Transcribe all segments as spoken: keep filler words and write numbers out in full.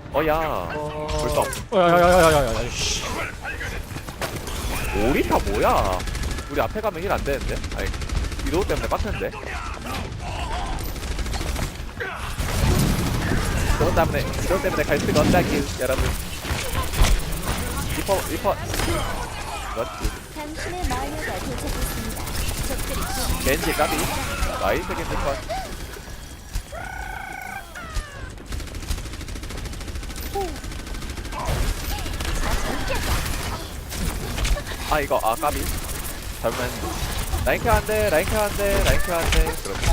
어야 벌써 어, 야야야야야야야. 씨. 오리타 뭐야? 우리 앞에 가면 힐 안 되는데? 아니 위도우 때문에 빡쳤는데? 위도우 때문에 위도우 때문에 갈 수가 없다기 여러분. 리퍼 리퍼 그렇지. 당신의 마녀가 도착했습니다. 적들이 곧 겐지 까비 나이스 겐지 컷. 아 이거 아 까비 잘못했는데 라인케어 안돼 라인케어 안돼 라인케어 안돼 그렇지.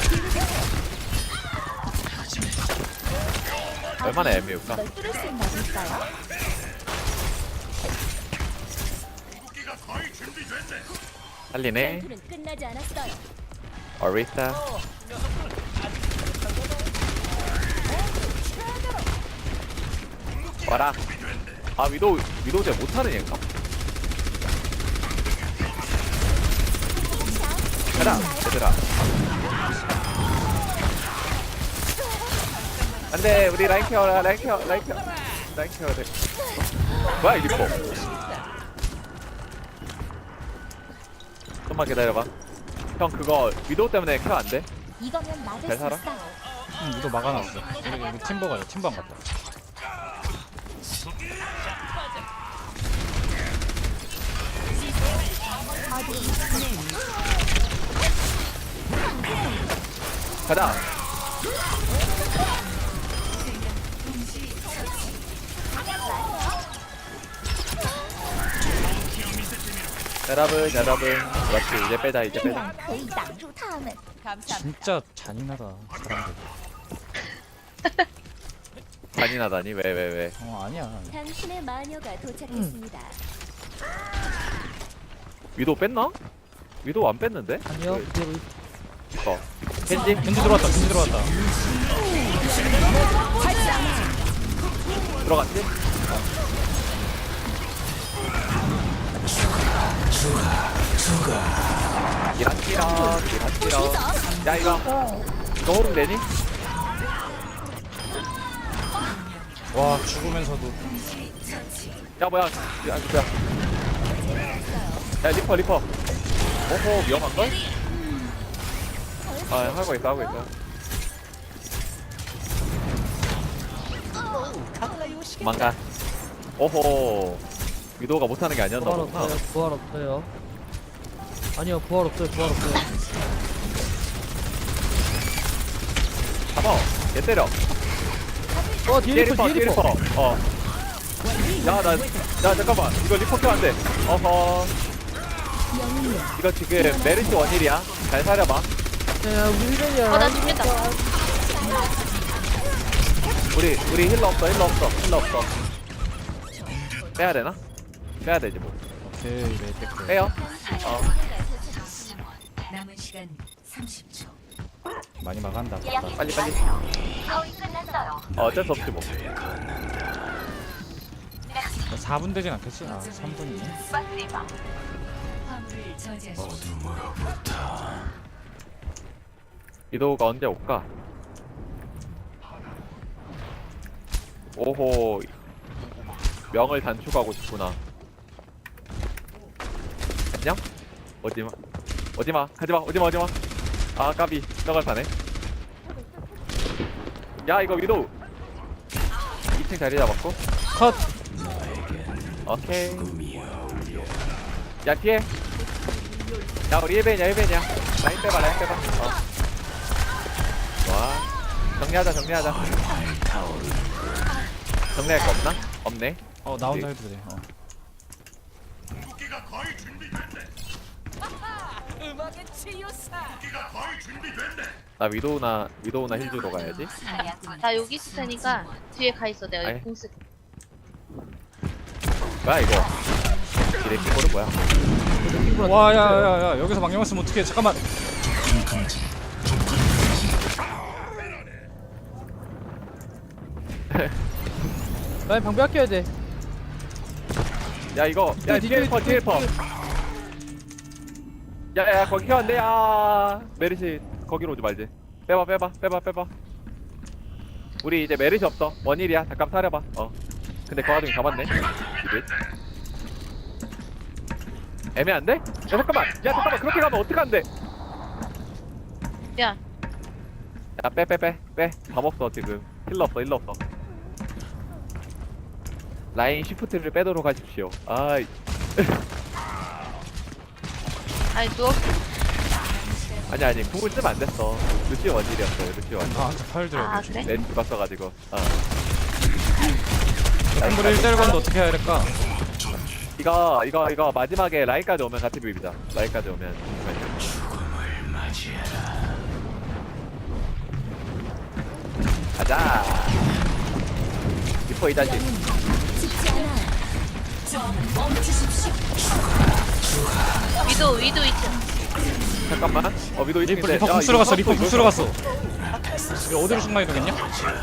얼마나 애매울까? 널 뚫을 수 있나 볼까요? 살리네. 전투는 끝나지 않았어요. 어리타 와라. 아 위도우 위도우 제 못하는 얘인가? 가라 얘들아. 안돼 우리 라인 케어라 라인 케어 라인 케어 라인 케어래. 뭐야 이 리퍼. 좀만 기다려봐. 형 그거 위도우 때문에 케어 안 돼? 이거면 막을 잘 수 살아? 있어요. 응, 이거 막아놨어. 여기 여기 팀버가요. 팀버 안 갔다. 가자. 여러분 여러분 그렇지 이제 빼자 이제 力 빼자. 量可以挡住他们。 진짜 잔인하다. 사람들. 잔인하다니 왜 왜 왜? 어 아니야. 당신의 마녀가 도착했습니다. 위도우 뺐나? 위도우 안 뺐는데? 아니요 그대로 어. 켄지? 겐지 들어왔다. 겐지 들어왔다. 들어갔지? 기라기라 기라기라. 야 이거 이거 호응 되니? 와 죽으면서도. 야 뭐야? 야 뭐야? 야 리퍼 리퍼. 오호 위험한걸? 아 하고 있어 하고 있어. 도망가. 오호 위도우가 못하는 게 아니었나 부활 보구나. 없어요 부활 없어요 아니요 부활 없어요 부활 없어요 잡아. 얘 때려. 어 뒤에 뒤에 리퍼 리퍼 뒤에 뒤에 리퍼 리퍼. 어. 야나 야 잠깐만 이거 리퍼 켜안 돼. 어허. 이거 지금 메리트 원일이야. 잘 사려봐. 야 우리 힐벤이야 어나 죽겠다. 우리 우리 힐러 없어 힐러 없어 힐러 없어. 빼야 되나? 빼야 되지 뭐. 오케이 네 뺄게. 빼요. 어. 남은 시간 삼십 초. 많이 막한다. 빨리 빨리. 어, 어쩔 수 없지 뭐. 사 분 되진 않겠지? 아 삼 분이네. 화물을 저지하십시오. 위도우가 언제 올까? 오호. 명을 단축하고 싶구나. 안녕? 오지마. 오지마. 가지마. 오지마 오지마. 아 까비. 떡을 사네. 야 이거 위도우. 이 층 자리 잡았고. 컷. 오케이. 야 뒤에. 야 우리 일벤이야 일벤이야. 라인 빼봐 라인 빼봐. 어. 와. 정리하자 정리하자. 정리할 거 없나? 없네. 어 나 혼자 해도 돼. 어. 나 위도우나 위도우나 힐주로 가야지. 나 여기 있을 테니까 뒤에 가 있어. 내가 아이. 여기 공스. 뭐야 이거? 이래 키보드 뭐야? 와 야야야 여기서 망령을 쓰면 어떡해. 잠깐만. 라인 방벽 아껴야 돼 야 이거 야 뒤에, 뒤에 퍼 뒤에, 뒤에 퍼. 야야 거기 켜안돼. 야 메리시 거기로 오지 말지. 빼봐 빼봐 빼봐 빼봐. 우리 이제 메르시 없어. 원일이야. 잠깐 사려봐. 어. 근데 그 와중에 잡았네. 이들. 애매한데? 야 잠깐만. 야 잠깐만. 그렇게 가면 어떡한데? 야, 야 빼 빼 빼 빼. 답 없어 지금. 힐러 없어 힐러 없어. 라인 시프트를 빼도록 하십시오. 아이. 아니 누워. 아니 아니 궁을 쓰면 안 됐어. 루시 원일이었어요. 루시 원일. 아 한테 팔 들어야 아 되지. 그래? 내 죽었어가지고. 어. 공부를 일 대일 건데 어떻게 해야 될까? 이거 이거 이거 마지막에 라인까지 오면 같이 비비자. 라인까지 오면. 가자. 리퍼 이 자식. 죽지 않아. 위도 위도 있죠. 잠깐만. 어 위도 리퍼 이층인데. 리퍼 궁 쓰러 갔어. 리퍼 궁 쓰러 갔어. 이거 어디로 순간 이동했냐?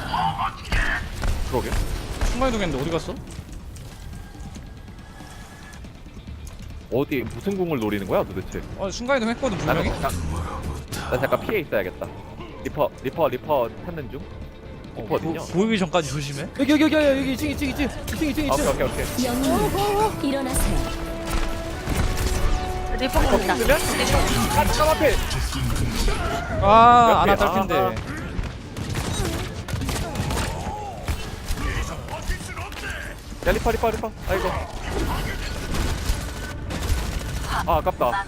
그러게. 순간 이동했는데 어디 갔어? 어디 무슨 궁을 노리는 거야 도대체? 어 순간 이동했거든 나는 분명히. 잠깐, 나 잠깐 피해 있어야겠다. 리퍼 리퍼 리퍼 찾는 중. 리퍼 어딨냐? 보이기 전까지 조심해. 여기 여기 여기 여기 이층 이층 이층 이층 이층 오케이 이층. 오케이 오케이. 영웅님 일어나세요. 리퍼 공다. 쓰면? 아 잠깐 앞에. 아, 몇 아나 개? 딸핀데. 아. 야 리퍼 리퍼 리퍼. 아이고. 아 아깝다.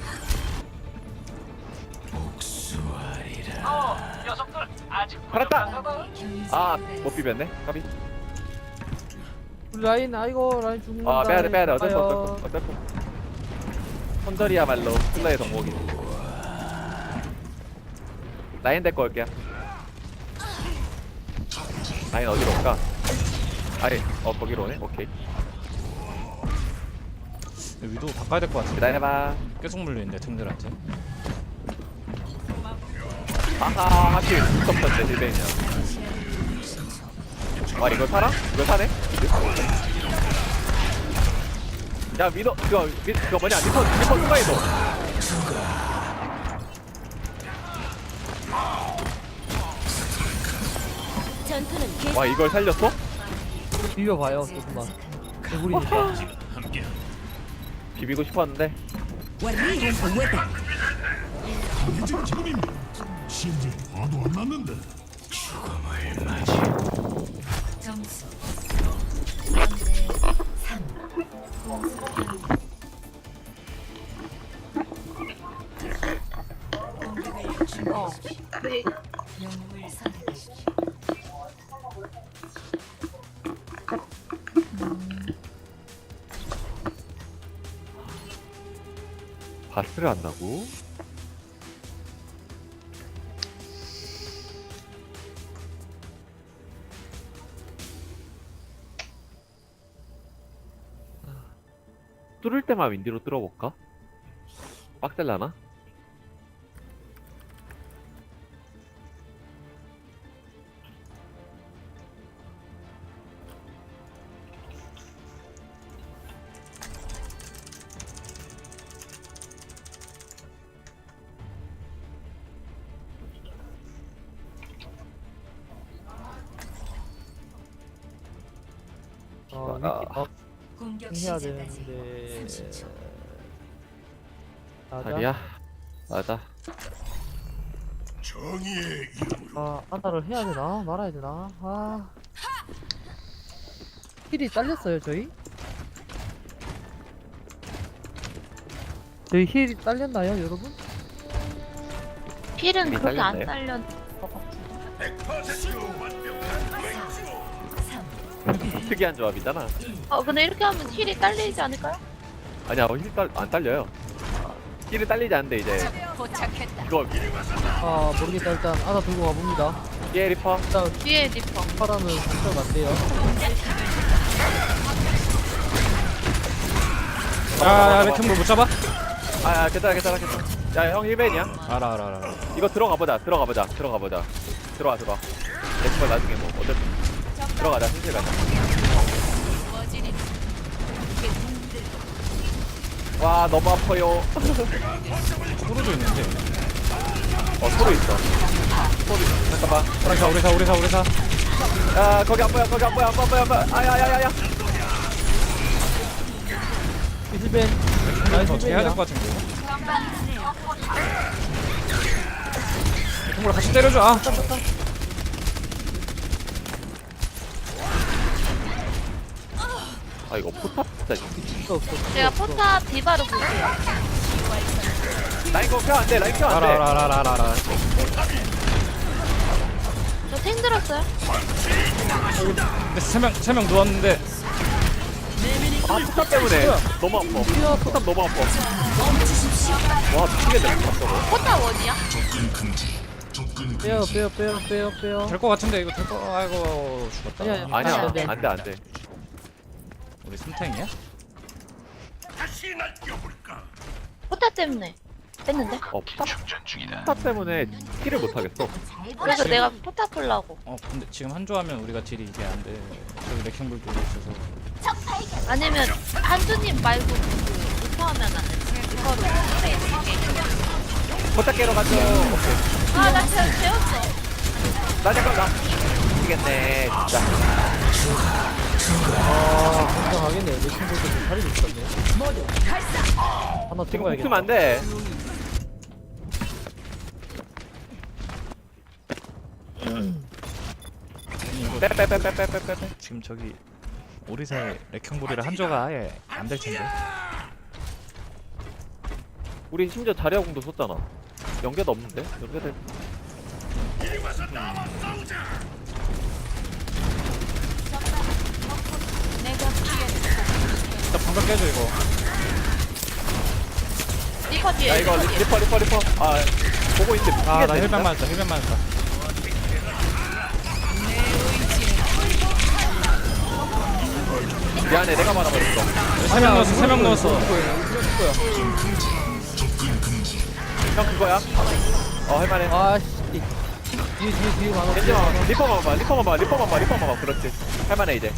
살았다. 아못 비볐네. 까비. 우리 라인 아이고 라인 죽는다. 아 빼야돼 빼야돼. 어쩔 수 아유. 없어 어쩔 수 없어. 손절이야말로 플레이 덕목이. 라인 데리고 올게요. 라인 어디로 올까? 아니 어 거기로 오네. 오케이. 위도 바꿔야 될 것 같은데. 기다려봐. 계속 물리는데 팀들한테. 아하 하필 스톱던데 딜베이냐. 와 이거 사라? 이거 사네? 야 미도 그거 미, 그거 뭐냐 리퍼 리퍼 추가해도. 전투는 계속. 와 이걸 살렸어? 비벼봐요 조금만. 우리니까. 비비고 싶었는데. 심지어 화도 안 났는데. 점수 영 대 삼. 공격을 준비하십시오. 네. 영웅을 선택하십시오. 바스를 한다고? 뚫을 때만 윈디로 뚫어볼까? 빡셀라나? 어, 아. 위키 어, 공격 해야 시작까지 되는데. 삼십 초. 맞아. 아니야 맞아. 정의의 아 안타를 해야 되나 말아야 되나. 아. 힐이 딸렸어요 저희? 저희 힐이 딸렸나요 여러분? 필은 이미 그렇게 안 딸렸나요? 딸렸. 특이한 조합이잖아. 어 근데 이렇게 하면 힐이 딸리지 않을까요? 아니야 힐 딸, 안 딸려요. 힐이 딸리지 않는데 이제 이거 아 모르겠다 일단 아나 들고 가봅니다. 예 리퍼. 일단 뒤에 리퍼. 파라는 진짜 안 돼요. 야야 왜 틈을 못 잡아? 아 괜찮아 괜찮아 괜찮아. 야형 힐벤이야. 알아 알아 알아. 이거 들어가 보자. 들어가 보자. 들어가 보자. 들어와 들어와. 내걸 나중에 뭐 어쩔 들어가자. 슬슬 가자. 와 너무 아파요. 소로도 있는데. 어 소리 있어. 소리. 잠깐만. 오래사 오래사 오래사 오래사. 야 거기 안 보여 거기 안 보여 안 보여 안 보여 안 보여 아야야야야 힐벤. 더 나이스 어떻게 해야 될 힐벤이야. 것 같은데. 동물 같이 때려줘. 아. 아 이거 포탑 진짜 없어, 없어. 제가 포탑 디바로 볼게요. 라인 거 켜 안돼 라인 켜 안돼 라라라라라라. 저 탱 들었어요? 근데 세명 세 명 누웠는데 아 포탑 때문에 너무 아파 포탑 너무 아파 와 미치겠네 포탑 저거 포탑 원이야? 빼요, 빼요, 빼요, 빼요, 빼요. 될 것 같은데 이거 될 거. 아이고 죽었다. 아니야, 아니야. 아니야 안 돼, 안 안돼 안돼 우리 삼탱이야? 포탑 때문에 뺐는데? 어 포탑 포탑 때문에 킬을 못하겠어 그래서 내가 포탑 풀라고. 어 근데 지금 한조하면 우리가 딜이 이게 안 돼. 저기 레킹볼 돌고 있어서. 아니면 한주님 말고 그 리퍼하면 안 돼. 리퍼로 포탑 깨러 가죠 오케이 아나 재웠어. 나 잠깐 나 미치겠네 진짜 아, 건강하겠네. 내 친구도 좀 살이 있었네. 하나 지금 찍어야겠다. 붙으면 안돼 빼빼빼빼빼빼빼 지금 저기 오리사의 레킹볼이라 한조가 아예 안 될 텐데. 우리 심지어 자리아공도 썼잖아 연계도 없는데? 연계될 일단 방금 깨줘 이거. 리퍼 뒤에. 야 이거 리퍼 뒤에. 리퍼 리퍼 리퍼 아 보고 있는데 아 나 미치겠네, 힐벤 진짜. 맞았다. 힐벤 맞았다. 미안해 내가 말아버렸어 세 명 넣었어. 세 명 넣었어. 형 그거야? 어 할만해 아, 씨. 뒤에, 뒤에, 뒤에 많아. 겐지 봐 리퍼만 봐 리퍼만 봐 리퍼만 봐 리퍼만 봐 그렇지 할만해 이제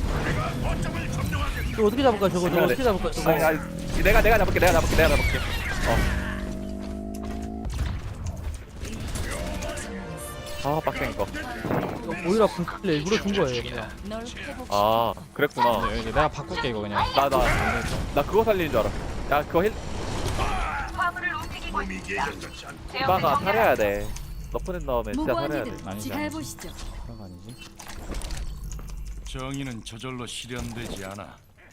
이거 어떻게 잡을까, 저거? 저거 어떻게 잡을까, 저거? 아니, 아니, 내가 내가 잡을게 내가 잡을게 내가 잡을게 어아 빡센 거아 이거 오히려 불클레 일부러 준 거예요, 그냥. 아, 그랬구나 네, 내가 바꿀게 이거 그냥. 나 나 나 그거 살리는 줄 알아 야 그거 힐 디바가 살려야 돼 너프넷 나오면 진짜 살려야 돼 아니지 아니지. 그런 거 아니지. 정의는 저절로 실현되지 않아.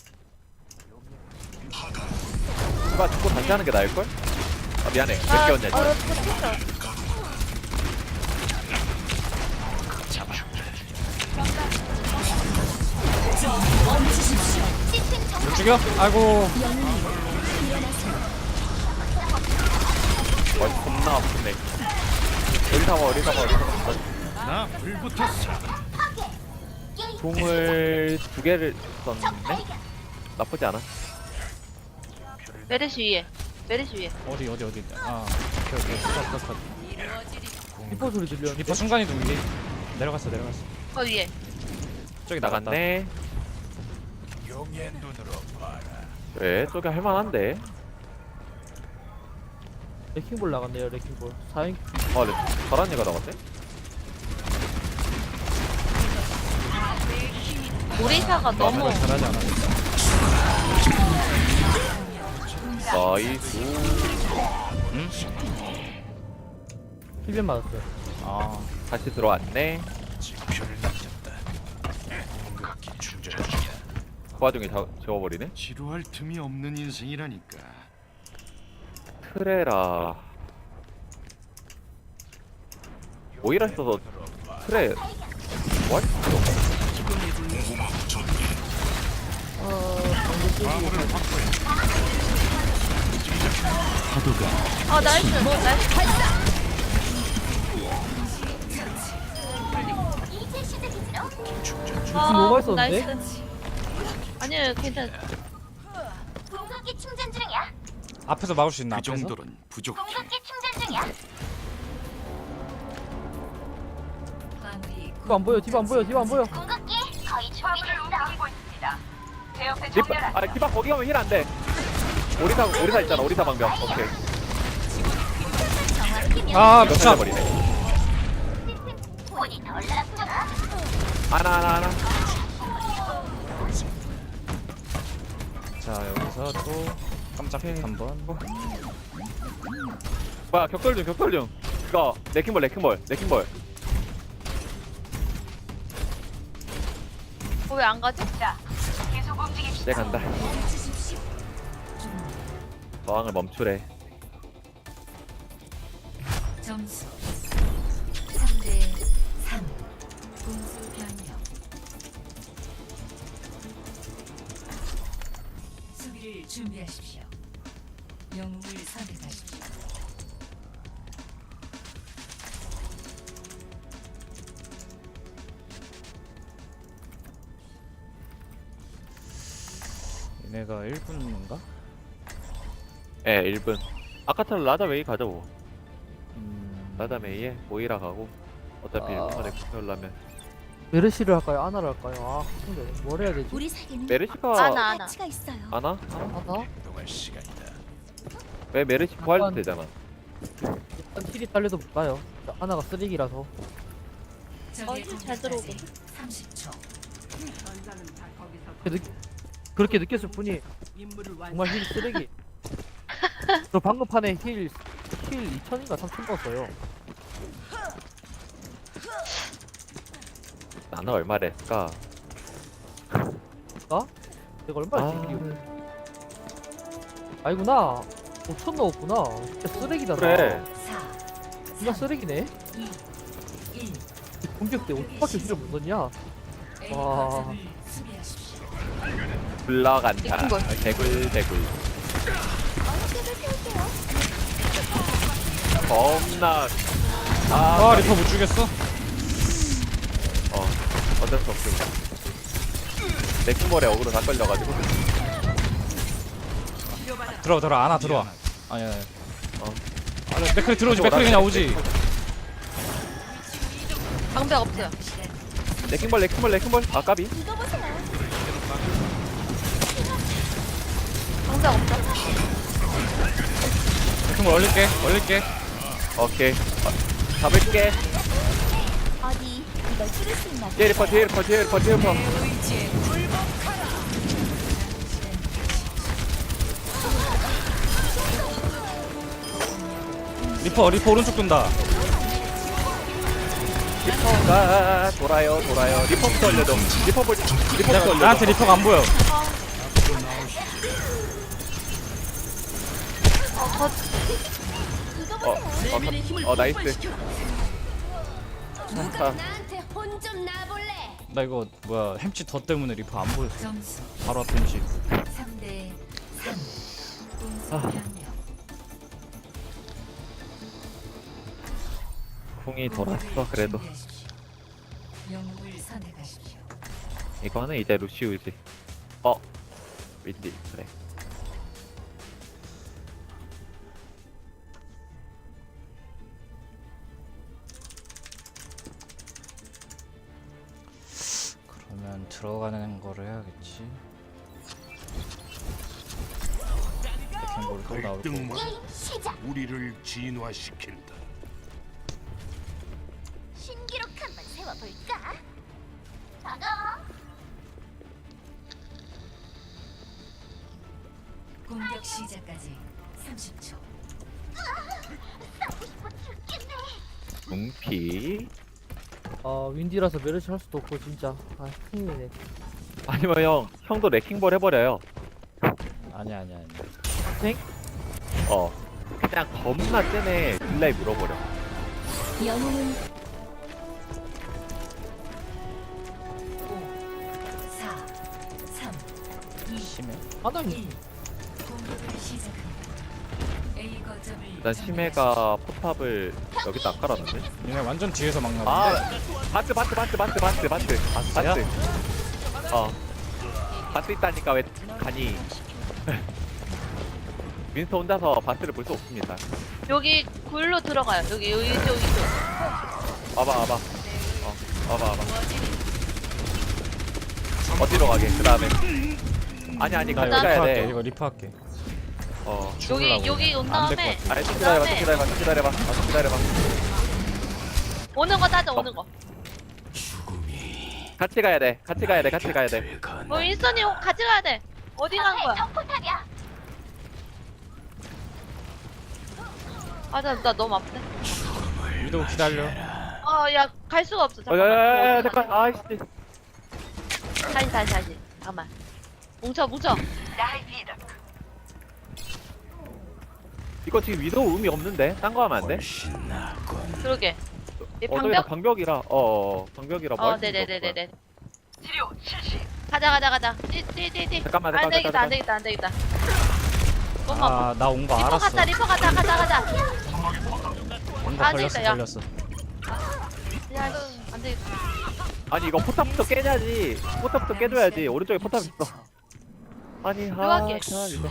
디바 죽고 다시 하는 게 나을걸? 아 미안해 몇 아, 개였냐 어, 지금 포탑. 못 죽여? 아이고. 와 겁나 아프네 어디 사봐 어디 사봐 어디 사봐 나 불붙었어. 종을 두 개를 썼네? 나쁘지 않아 메르시 위에. 메르시 위에. 어디 어디 어디. 아 오케이 오케이. 컷, 컷, 컷. 리퍼 소리 들려. 리퍼 순간이 동기. 내려갔어 내려갔어. 거 위에. 저기 나갔다. 나갔네 왜? 저기 할만한데? 레킹볼 나갔네요, 레킹볼. 사인. 아 네, 잘한 애가 나갔네? 오리사가 너무. 아무래도 잘하지 않아. 나이스 응? 힐벤 맞았어요. 아 다시 들어왔네 그 와중에 자, 재워버리네? 지루할 틈이 없는 인생이라니까. 트레라 오히려 있어서 트레 what? 아 나이스. 나이스. 아, 뭐가 있었는데? 나이스. 아니요 괜찮. 공격기 충전 중이야. 앞에서 막을 수 있나? 그 앞에서? 정도는 부족해. 공격기 충전 중이야. 방위 디바 안 보여, 디바 안 보여, 디바 안 보여. 공격기 거의 준비됐어. 리퍼 아 디바 거기 가면 힐 안돼 오리사 오리사 있잖아 오리사 방벽 오케이 아 이거 미쳐. 살려버리네 돈이 덜 났구나. 하나 하나 하나. 자 여기서 또 깜짝 픽 한번. 뭐야 격돌 중 격돌 중. 이거 레킹볼 레킹볼 레킹볼. 어, 왜 안 가지? 이제 간다. 저항을 멈추래. 점수 삼 대 삼. 공수 변경. 수비를 준비하십시오. 영웅을 선택하십시오. 얘네가 일 분인가? 예, 일 분. 아까처럼 라자 웨이 가자 뭐. 음... 라자 메이에 모이라 가고. 어차피 아. 일 분 만에 구해오려면. 메르시를 할까요? 아나를 할까요? 아 근데 뭘 해야 되지? 우리 사이에는 메르시가 아나 아나. 가치가 있어요. 아나? 아나? 이동할 시간이다. 왜 메르시 부활도 약간- 되잖아. 일단 힐이 딸려도 못 가요. 아나가 쓰레기라서. 어, 힘잘 들어오게. 삼십 초. 그 느, 그렇게 느꼈을 뿐이 정말 힐 쓰레기. 저 방금 판에 힐, 힐 이천인가 삼천 넣었어요. 나는 얼마를 했을까? 나? 내가 얼마나 아. 힐이 아니구나. 오천 넣었구나. 진짜 쓰레기다. 나. 그래. 사, 진짜 쓰레기네. 이, 일. 공격 때 오천밖에 힐을 못 넣냐? A 와. 거점을 수비하십시오. 굴러간다. 이쁜 걸. 개굴 개굴. 어깨를 펴올게요. 겁나. 아, 아 리퍼 못 죽였어? 어, 어쩔 수 없음. 레킹볼에 어그로 다 걸려가지고. 들어와 들어와 아나 들어와. 아니야. 아니야. 어. 아니 맥클이 들어오지. 맥클이 그냥 오지. 방벽 없어요. 레킹볼 레킹볼 레킹볼. 아 까비. 이거 보세요. 방벽 없어. 맥클 올릴게. 올릴게. 오케이. 어, 잡을게. 어디 이걸 뚫을 수 있나? 뒤에 리퍼 뒤에 리퍼 뒤에 리퍼 뒤에 리퍼. 리퍼 리퍼 오른쪽 돈다. 리퍼가 돌아요 돌아요. 리퍼부터 올려줘. 리퍼 볼 리퍼부터 야, 올려줘. 나한테 리퍼가 안 보여. 이거 어, 보세요. 어, 어 나이스. 누가 나한테 혼 좀 놔볼래? 나 이거 뭐야 햄치 더 때문에 리퍼 안 보였어. 점수 바로 앞에 햄치. 삼 대 삼. 공수 아. 변경. 궁이 돌았어 그래도. 준비하십시오. 영웅을 선택하십시오. 이거는 이제 루시우지. 어, 윈디 그래. 그러면 들어가는 거를 해야겠지. 레킹볼 또 나올 거고. 갈등만 시작. 우리를 진화시킨다. 신기록 한번 세워볼까? 다가. 공격 시작까지 삼십 초. 궁피. 아 윈디라서 메르시 할 수도 없고 진짜. 아 큰일이네. 아니면 형 형도 레킹볼 해버려요. 아니야 아니야 아니야. 땡? 어, 그냥 겁나 쟤네 딜라이 물어버려. 영웅은 오, 사, 삼, 이, 심해. 아나니 일. 공격을 시작합니다. A 거점을 일단 심해가 포탑을 여기다 안 깔아놨네. 얘네 완전 뒤에서 막나 아, 본데. 바트 바트 바트 바트 바트 바트 바스야? 바트. 어, 바트 있다니까 왜 가니? 윈스터 혼자서 바트를 볼 수 없습니다. 여기 굴로 들어가요. 여기 여기 이쪽 이쪽. 와봐 와봐. 어, 와봐 와봐. 어디로 가게? 그 다음에. 아니 아니 나 같이 이거 리퍼 가야 할게. 돼. 이거 리퍼 할게. 어. 여기 여기 온 안될 다음에 것 같아. 아니 좀 기다려봐 좀 기다려봐 좀 기다려봐 아, 좀 기다려봐. 오는 거 따져 오는 거. 같이 가야 돼. 같이 가야 돼. 같이 가야 돼. 뭐 윈스턴이 같이 가야 돼. 어디 간 거야? 아나 나 너무 아프네. 위도 기다려. 어야 갈 수가 없어. 어, 야, 야, 야, 야, 잠깐만. 잠깐. 아이씨. 다시 다시 다시. 잠깐만. 뭉쳐 뭉쳐. 이거 지금 위도우 의미 없는데? 딴 거 하면 안 돼? 그러게. 이 어, 저기다 방벽? 방벽이라. 어, 어, 방벽이라 뭐 어 할 수가 네네네네네. 가자 가자 가자. 띠띠띠띠. 잠깐만, 안 잠깐만, 되겠다 안 잠깐만. 되겠다 안 되겠다. 너무 아파. 아 나 온 거 리퍼 알았어. 가자 리퍼 가자 가자 가자. 온 거 안 걸렸어 되겠다, 야. 걸렸어. 야 이거 안 되겠다. 아니 이거 포탑부터 깨야지. 포탑부터 깨줘야지. 오른쪽에 포탑 있어. 아니 하. 누가 깨? 참, 이거.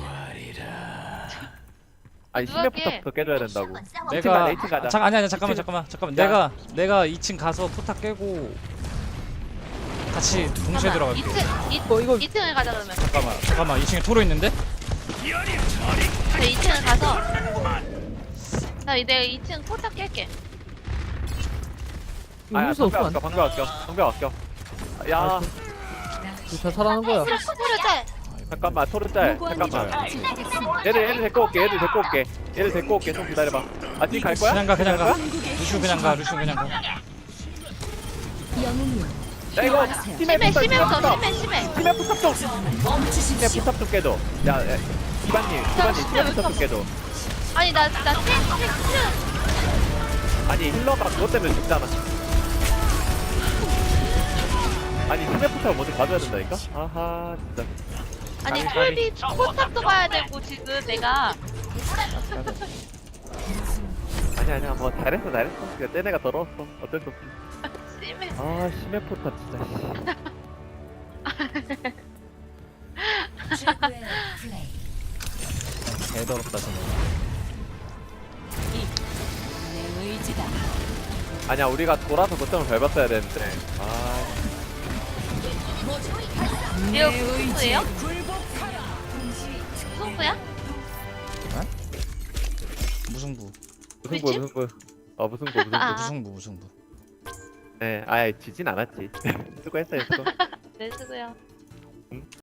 아니 누가 심해 깨? 포탑부터 깨줘야 된다고. 내가 가자, 이층 가자. 아, 잠깐 아니 아니 잠깐만 잠깐만 잠깐만. 야. 내가 내가 이 층 가서 포탑 깨고 같이 동시에 들어갈게. 이층 이 어, 이거- 이층을 가자 그러면. 잠깐만 잠깐만 이 층에 토로 있는데? 저 이층을 가서. 나 내가 이층 포탑 깰게. 이거 아야 할수 방벽 없어. 아껴. 방벽 아껴. 방벽 아껴. 야 진짜 살아는 거야. 포탑을 짤. 잠깐만 토르짤. 잠깐만. 얘들 얘들 데리고 올게. 얘들 데리고 올게. 얘들 데리고 올게. 좀 기다려봐. 아 지금 갈 거야? 그냥 가 그냥 가. 거야? 루슈 그냥 가 루슈 그냥 가. 영웅이여 야 이거 심해 심해 포탑 심해 없어 포탑. 심해 심해. 심해 포탑 좀. 심해 포탑 좀 깨줘. 야, 야 기반님 기반님 심해 포탑 좀 깨줘. 아니 나나 탱, 탱, 아니 힐러가 그것 때문에 죽잖아. 아니 심해 포탑을 먼저 가져야 된다니까? 아하 진짜. 아니 까비, 톨비 포탑도 봐야 되고 지금 내가 아니 아니야 뭐 잘했어 잘했어. 그냥 쟤네가 더러웠어. 어쩔 수 없지. 심해. 아 심해 포탑 진짜. 최고의 플레이. 개더럽다 진짜. 내 의지다. 아니야 우리가 돌아서 거점을 밟았어야 되는데. 아 이거 무승부예요? 무승부야? 무승부 무승부 무승부. 어 무승부 무승부. 아. 무승부 무승부. 네, 아예 지진 않았지. 수고했어요 수고. 네 수고요.